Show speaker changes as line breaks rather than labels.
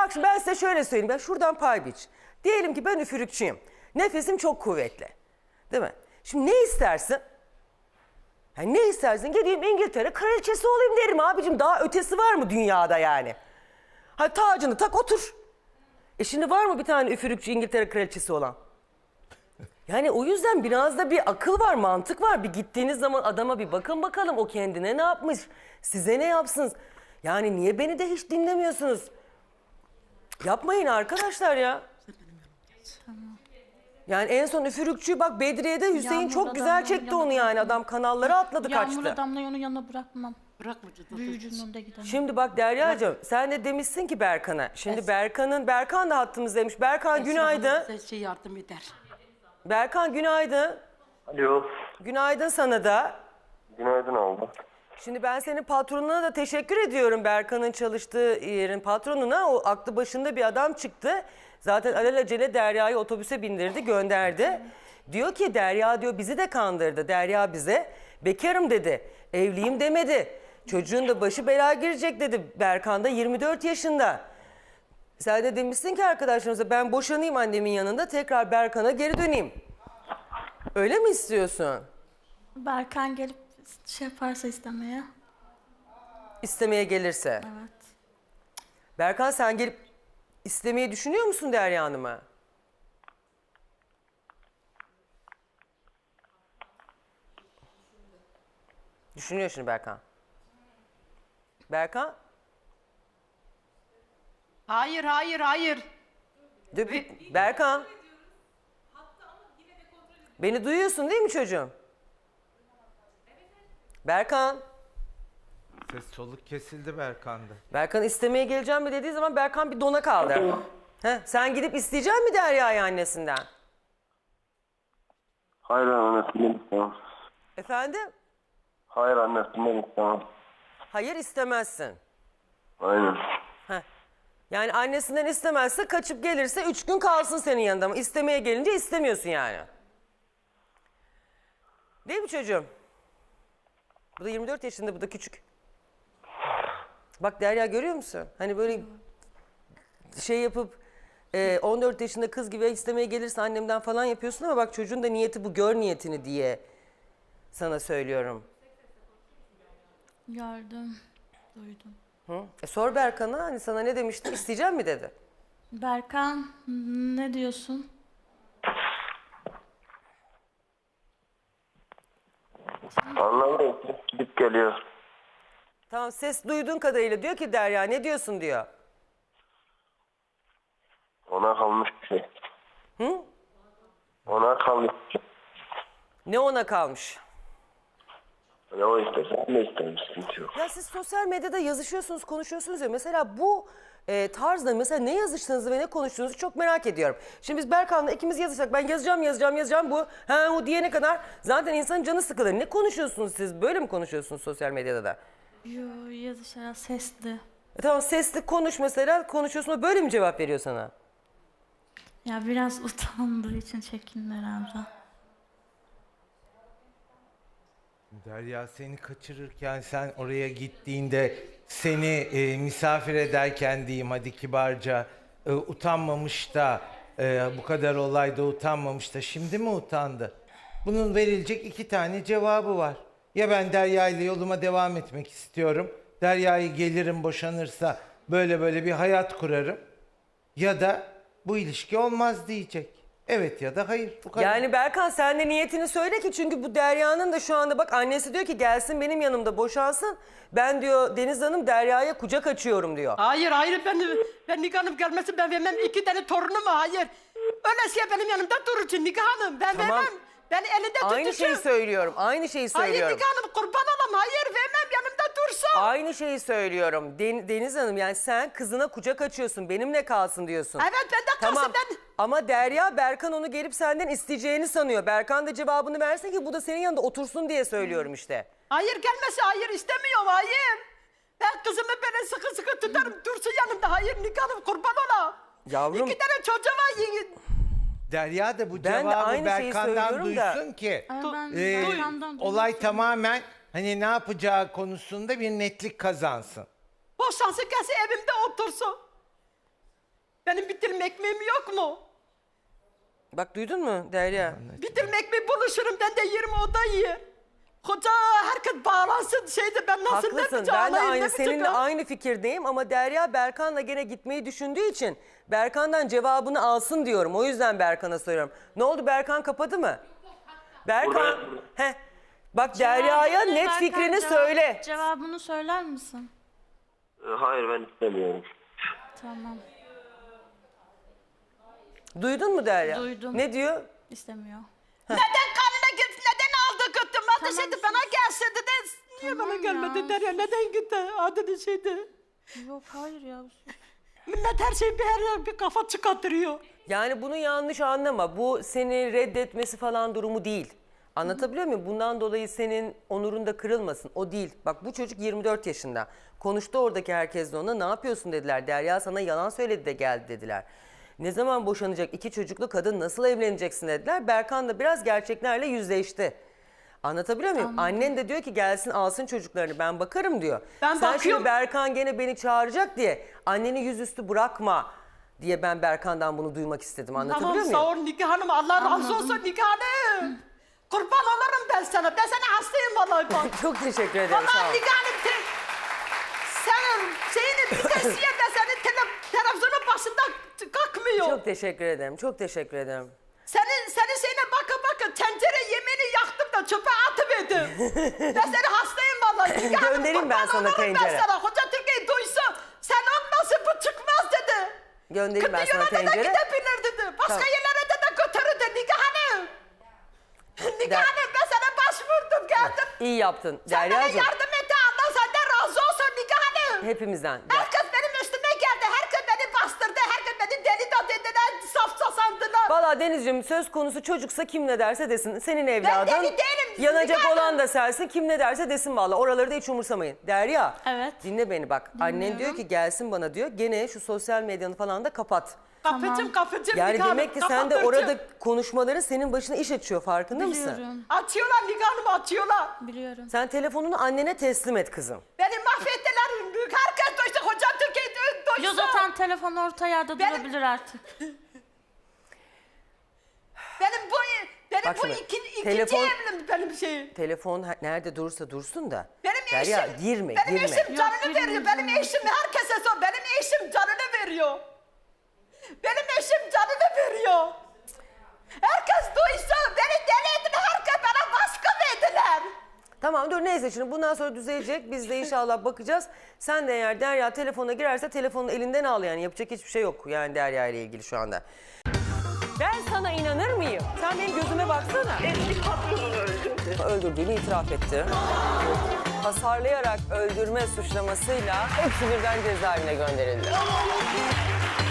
Bak şimdi ben size şöyle söyleyeyim. Ben şuradan pay biç. Diyelim ki ben üfürükçüyüm. Nefesim çok kuvvetli. Değil mi? Şimdi ne istersin? Yani ne istersin? Gideyim İngiltere kraliçesi olayım derim abicim. Daha ötesi var mı dünyada yani? Hadi tacını tak otur. Şimdi var mı bir tane üfürükçü İngiltere kraliçesi olan? Yani o yüzden biraz da bir akıl var, mantık var. Bir gittiğiniz zaman adama bir bakın bakalım o kendine ne yapmış, size ne yapsın. Yani niye beni de hiç dinlemiyorsunuz? Yapmayın arkadaşlar ya. Yani en son üfürükçü bak Bedriye'de Hüseyin
Yağmur
çok güzel
adamların
çekti
yanına
onu yani.
bırakmam.
Adam kanallara atladı
Yağmur
kaçtı.
adamla onun yanına bırakmam.
Bırakmayacağız.
Büyücünün önünde gidemem.
Şimdi bak Derya'cığım sen de demişsin ki Berkan'a. Şimdi Berkan da hattımızdaymış. Berkan günaydın.
Size şey yardım eder.
Berkan günaydın.
Alo.
Günaydın sana da.
Günaydın abla.
Şimdi ben senin patronuna da teşekkür ediyorum. Berkan'ın çalıştığı yerin patronuna. O aklı başında bir adam çıktı. Zaten alelacele Derya'yı otobüse bindirdi, gönderdi. Diyor ki Derya diyor bizi de kandırdı. Derya bize bekarım dedi. Evliyim demedi. Çocuğun da başı belaya girecek dedi. Berkan da 24 yaşında. Sen de demişsin ki arkadaşlarımıza ben boşanayım annemin yanında tekrar Berkan'a geri döneyim. Öyle mi istiyorsun?
Berkan gelip şey yaparsa istemeye.
İstemeye gelirse.
Evet.
Berkan sen gelip istemeyi düşünüyor musun Derya Hanım'a? Düşünüyor şimdi Berkan. Berkan?
Hayır, hayır, hayır.
Berkan. Beni duyuyorsun değil mi çocuğum? Berkan.
Ses soluk kesildi Berkan'da.
Berkan istemeye geleceğim mi dediği zaman Berkan bir dona kaldı. Sen gidip isteyecek mi Derya'yı annesinden?
Hayır annesinden istemem.
Efendim?
Hayır annesinden istemem.
Hayır istemezsin.
Aynen.
Yani annesinden istemezse kaçıp gelirse 3 gün kalsın senin yanında ama istemeye gelince istemiyorsun yani. Değil mi çocuğum? Bu da 24 yaşında, bu da küçük. Bak Derya görüyor musun? Hani böyle şey yapıp 14 yaşında kız gibi istemeye gelirse annemden falan yapıyorsun ama bak çocuğun da niyeti bu, gör niyetini diye sana söylüyorum.
Gördüm. Duydum.
Sor Berkan'a, hani sana ne demişti, isteyeceğim mi dedi.
Berkan ne diyorsun?
Anlamadım. Gidip geliyor.
Tamam, ses duyduğun kadarıyla diyor ki Derya ne diyorsun diyor.
Ona kalmış bir şey.
Hı?
Ona kalmış bir şey.
Ne ona kalmış?
Ne o istersen ne isterim, sıkıntı yok.
Ya siz sosyal medyada yazışıyorsunuz, konuşuyorsunuz ya. Mesela bu tarzda mesela ne yazıştığınızı ve ne konuştuğunuzu çok merak ediyorum. Şimdi biz Berkan'la ikimiz yazışsak ben yazacağım bu. O diyene kadar zaten insanın canı sıkılır. Ne konuşuyorsunuz siz? Böyle mi konuşuyorsunuz sosyal medyada da?
Yo yazışarak sesli.
Tamam sesli konuş mesela, konuşuyorsun o böyle mi cevap veriyor sana?
Ya biraz utandığı için çekindi herhalde.
Derya seni kaçırırken sen oraya gittiğinde seni misafir ederken diyeyim hadi kibarca utanmamış da bu kadar olayda utanmamış da şimdi mi utandı? Bunun verilecek 2 tane cevabı var. Ya ben Derya ile yoluma devam etmek istiyorum. Derya'yı gelirim boşanırsa böyle bir hayat kurarım. Ya da bu ilişki olmaz diyecek. Evet ya da hayır. Bu kadar.
Yani Berkan sen de niyetini söyle ki çünkü bu Derya'nın da şu anda bak annesi diyor ki gelsin benim yanımda boşansın. Ben diyor Deniz Hanım Derya'ya kucak açıyorum diyor.
Hayır, hayır, ben Nigar Hanım gelmesin, ben vermem 2 tane torunumu, hayır. Öylesiye benim yanımda durursun Nigar Hanım, ben
Tamam.
vermem. Ben elinde tutuşum.
Aynı şeyi söylüyorum. Aynı şeyi
Hayır
söylüyorum.
Nigar Hanım, kurban olam, hayır vermem, yanımda dursun.
Aynı şeyi söylüyorum. Deniz Hanım yani sen kızına kucak açıyorsun. Benimle kalsın diyorsun.
Evet, ben de kalsın,
Tamam.
ben...
Ama Derya Berkan onu gelip senden isteyeceğini sanıyor. Berkan da cevabını versin ki bu da senin yanında otursun diye söylüyorum işte.
Hayır gelmesi, hayır istemiyorum, hayır. Ben kızımı böyle sıkı sıkı tutarım, dursun yanımda, hayır Nigar Hanım, kurban olam.
Yavrum.
2 tane çocuğu var.
Derya da bu
Ben de
cevabı
aynı şeyi
Berkan'dan
söylüyorum da.
duysun ki
Ama ben
e,
Berkan'dan
olay
duymuştum.
tamamen hani ne yapacağı konusunda bir netlik kazansın.
Boşansın gelsin evimde otursun. Benim bir dilim ekmeğim yok mu?
Bak duydun mu Derya?
Bir dilim ekmeği buluşurum, ben de yerim, o da yer. Koca herkes bağlansın şeyde, ben nasıl ne
Haklısın.
yapacağım?
Ben de
Allah'ım, ne
aynı seninle
yapacağım?
aynı fikirdeyim ama Derya Berkan'la gene gitmeyi düşündüğü için Berkan'dan cevabını alsın diyorum. O yüzden Berkan'a soruyorum. Ne oldu, Berkan kapadı mı? Berkan, heh. Bak Derya'ya
Cevabını
net
Berkan,
fikrini söyle.
Cevabını söyler misin?
Hayır ben istemiyorum.
Tamam.
Duydun mu Derya?
Duydum.
Ne diyor?
İstemiyor.
Neden kanına gitti? Neden aldı götü? Madde
Tamam,
şeydi bana gelse dedi. Niye
Tamam
bana gelmedi
ya.
Derya? Neden gitti? Adını şeydi.
Yok hayır ya.
Millet her şeyi bir kafa çıkartıyor.
Yani bunu yanlış anlama. Bu seni reddetmesi falan durumu değil. Anlatabiliyor muyum? Bundan dolayı senin onurun da kırılmasın. O değil. Bak bu çocuk 24 yaşında. Konuştu oradaki herkes de ona. Ne yapıyorsun dediler. Derya sana yalan söyledi de geldi dediler. Ne zaman boşanacak 2 çocuklu kadın, nasıl evleneceksin dediler. Berkan da biraz gerçeklerle yüzleşti. Anlatabiliyor muyum? Annen de diyor ki gelsin alsın çocuklarını, ben bakarım diyor.
Ben
Sen
bakıyorum.
şimdi Berkan gene beni çağıracak diye anneni yüzüstü bırakma diye ben Berkan'dan bunu duymak istedim. Anlatabiliyor
Tamam
muyum?
sağ ol Nike Hanım. Allah razı olsun Nike Hanım. Kurban olurum ben sana. Ben sana hastayım vallahi bak.
Çok teşekkür ederim. Sağ
Vallahi
ol.
Nike Hanım. Senin şeyini bir tesiye de senin televizyonun başında kalkmıyor.
Çok teşekkür ederim. Çok teşekkür ederim.
Senin şeyine bakın tencere yemeğini yaktım da çöpe atıverdim. Ben seni hastayım vallahi. Nike Hanım,
Göndereyim ben
kurban
sana
olurum
tencere.
Ben sana. Hoca Türkiye duysa sen olmasın bu çıkmaz dedi.
Göndereyim ben
Kıtı
sana
yoluna da
tencere.
gidebilir dedi. Başka
Tamam.
yerlere de götürürdü Nike Hanım. Nike
Der-
Hanım ben sana başvurdum geldim.
İyi yaptın
Sen bana
Derya'cığım.
yardım et Allah senden razı olsun Nike Hanım.
Hepimizden.
Herkes benim üstüme geldi. Herkes beni bastırdı. Herkes beni deli de dediler. Safça sandılar.
Valla Denizciğim söz konusu çocuksa kim ne derse desin. Senin evladın.
deli değilim,
Yanacak
Zülfikar
olan
Hanım.
da sensin. Kim ne derse desin valla. Oraları da hiç umursamayın. Derya.
Evet.
Dinle beni bak. Annen diyor ki gelsin bana diyor. Gene şu sosyal medyanı falan da kapat.
Kapıcım
Yani
Nike Hanım,
demek ki sen de
kapatırcım.
orada konuşmaların senin başına iş açıyor. Farkında mısın?
Biliyorum.
Açıyorlar Nike Hanım açıyorlar.
Biliyorum.
Sen telefonunu annene teslim et kızım.
Beni mahvettiler. Büyük herkes duysa. Hoca Türkiye duysa.
Yo zaten telefon orta yerde
Benim-
durabilir artık.
Benim
Bak
bu
şimdi,
ikinci
telefon-
evlim benim şeyim.
Telefon nerede durursa dursun da.
Benim
Derya
eşim,
girme
benim
girme.
eşim canını
Yok,
veriyor.
girmeyeceğim.
Benim eşim herkese sor. Benim eşim canını veriyor. Benim eşim canını veriyor. Herkes duysa beni deli ettiler. Herkes bana baskı verdiler.
Tamam dur neyse şimdi bundan sonra düzelecek. Biz de inşallah bakacağız. Sen de eğer Derya telefona girerse telefonunu elinden al yani. Yapacak hiçbir şey yok yani Derya ile ilgili şu anda. Ben sana inanır mıyım? Sen benim gözüme baksana.
Eski patronunu öldürdü.
Öldürdüğünü itiraf etti. Hasarlayarak öldürme suçlamasıyla hepsi birden cezaevine gönderildi.